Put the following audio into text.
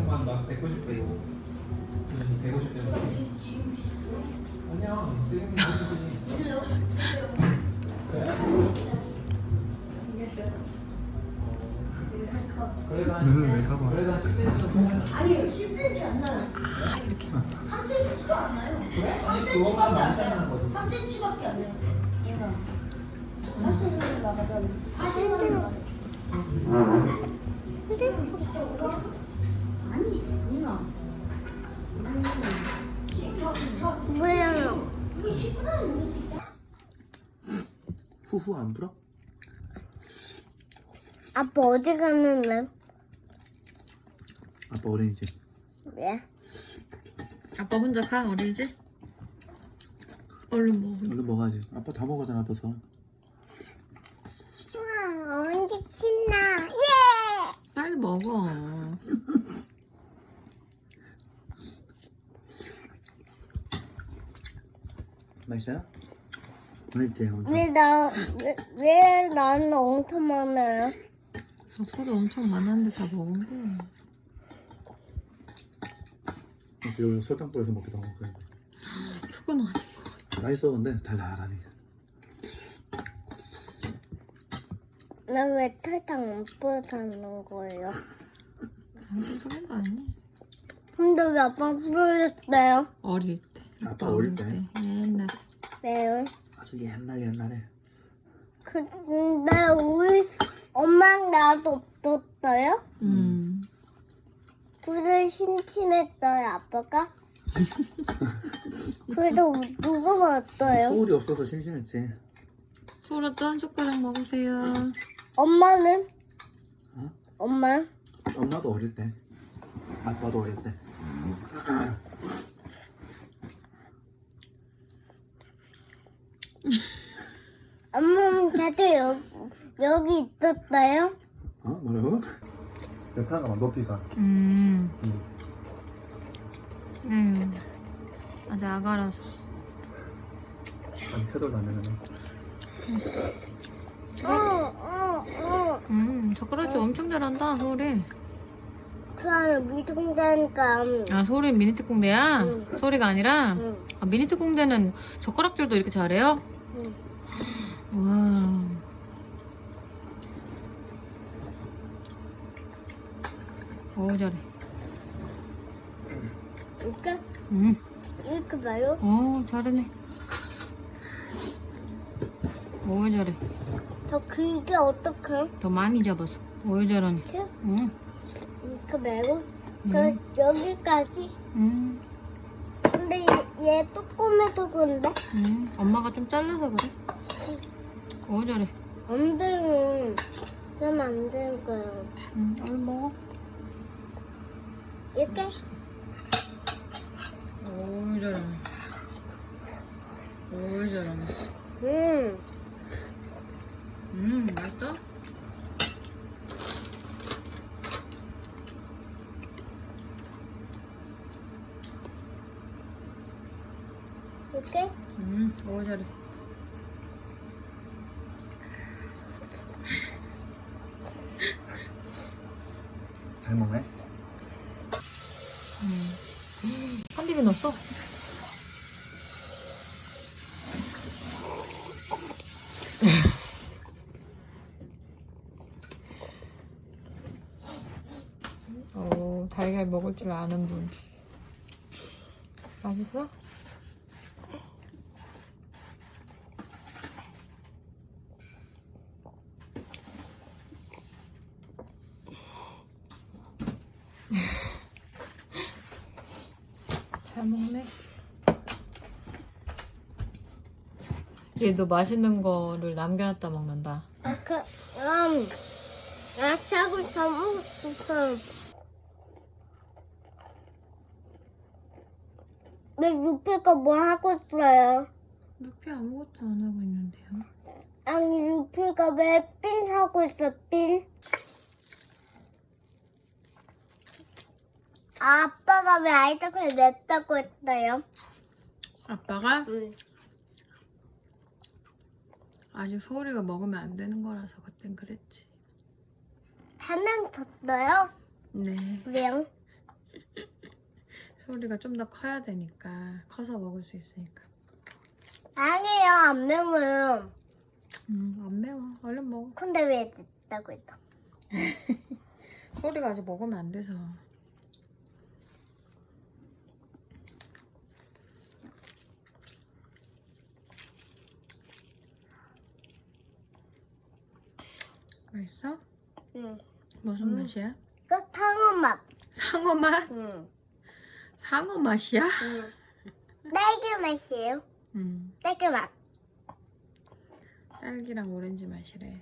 그만 나 190배 이거. 150배. 아니야. 지금 190이지. 그래? 그래도 한 10cm. 아니요, 10cm 안 나요. 이렇게. 3cm도 안 나요. 그래? 아니 3cm밖에 그거만 안 많지 않은 나요. 거지. 3cm밖에 안 나요. 40만 나가자. 40만 나가자. 아니, 누나. 뭐예요? 이거 10분 안에 먹을 수 있다. 후후 안 불어? 아빠 어디 갔는데? 아빠 어린이집. 왜? 아빠 혼자 가 어린이집? 얼른 먹어. 얼른 먹어야지. 아빠 다 먹었잖아 벌써. 우와, 언제 신나? 예! 빨리 먹어. 맛있어요? 맛있지? 엄청. 왜 나는 엄청 많아요? 소리 엄청 많았는데 다 먹은 거야. 여기 설탕 뿌려서 먹기도 하고 그래. 그건 아니고. 맛있어 근데 달달하니. 나 왜 설탕 안 뿌려주는 거예요? 당신 소리는 거 아니야. 근데 왜 아빠 뿌렸어요? 어릴 때. 아빠 어릴 때? 옛날에. 왜요? 아주 옛날에. 근데 우리 엄마랑 나도 없었어요? 불을 심심했어요, 아빠가? 그래도 누가 봤어요? 소울이 없어서 심심했지. 소라도 한 숟가락 먹으세요. 엄마는? 어? 엄마? 엄마도 어릴 때. 아빠도 어릴 때. 엄마는 다들 여기 있었어요? 어? 뭐라고? 제 편안가 높이가. 아직 아가라서. 아니 새돌도 안 되네. 젓가락질 엄청 잘한다 소리. 그럼 미동자니까 아 소리 미니특공대야? 응. 소리가 아니라? 응. 아, 미니특공대는 젓가락질도 이렇게 잘해요? 응. 와. 오 잘해. 이렇게? 응. 이렇게 봐요? 오 잘하네. 오 잘해. 더 길게 어떡해? 더 많이 잡아서. 오 잘하네. 이렇게? 응. 이렇게 말고? 응. 저 여기까지? 응. 근데 얘 조금해도 그런데? 응. 엄마가 좀 잘라서 그래. 오 잘해. 안 되면 그러면 안 되는 거예요. 응. 얼른 먹어. 이렇게? 오 잘하네. 오 잘하네. 맛있다? 이렇게? 오 잘해. 잘 먹네. 한 비비 넣었어? 오, 달걀 먹을 줄 아는 분. 맛있어? 잘 먹네. 얘도 맛있는 거를 남겨놨다 먹는다. 아차고 다 먹었어. 내 루피가 뭐 하고 있어요? 루피 아무것도 안 하고 있는데요. 아니 루피가 왜 핀 사고 있어 핀? 아빠가 왜 아이스크림 냈다고 했어요? 아빠가 응. 아직 소울이가 먹으면 안 되는 거라서 그땐 그랬지. 한명 줬어요? 네. 왜요? 소리가 좀 더 커야 되니까 커서 먹을 수 있으니까. 아니에요, 안 매워요. 안 매워. 얼른 먹어. 근데 왜 냈다고 했다? 소리가 아직 먹으면 안 돼서. 맛있어? 응. 무슨 맛이야? 그 탕후 맛. 상어 맛? 응. 상어 맛이야? 응. 딸기 맛이에요. 딸기 맛. 딸기랑 오렌지 맛이래.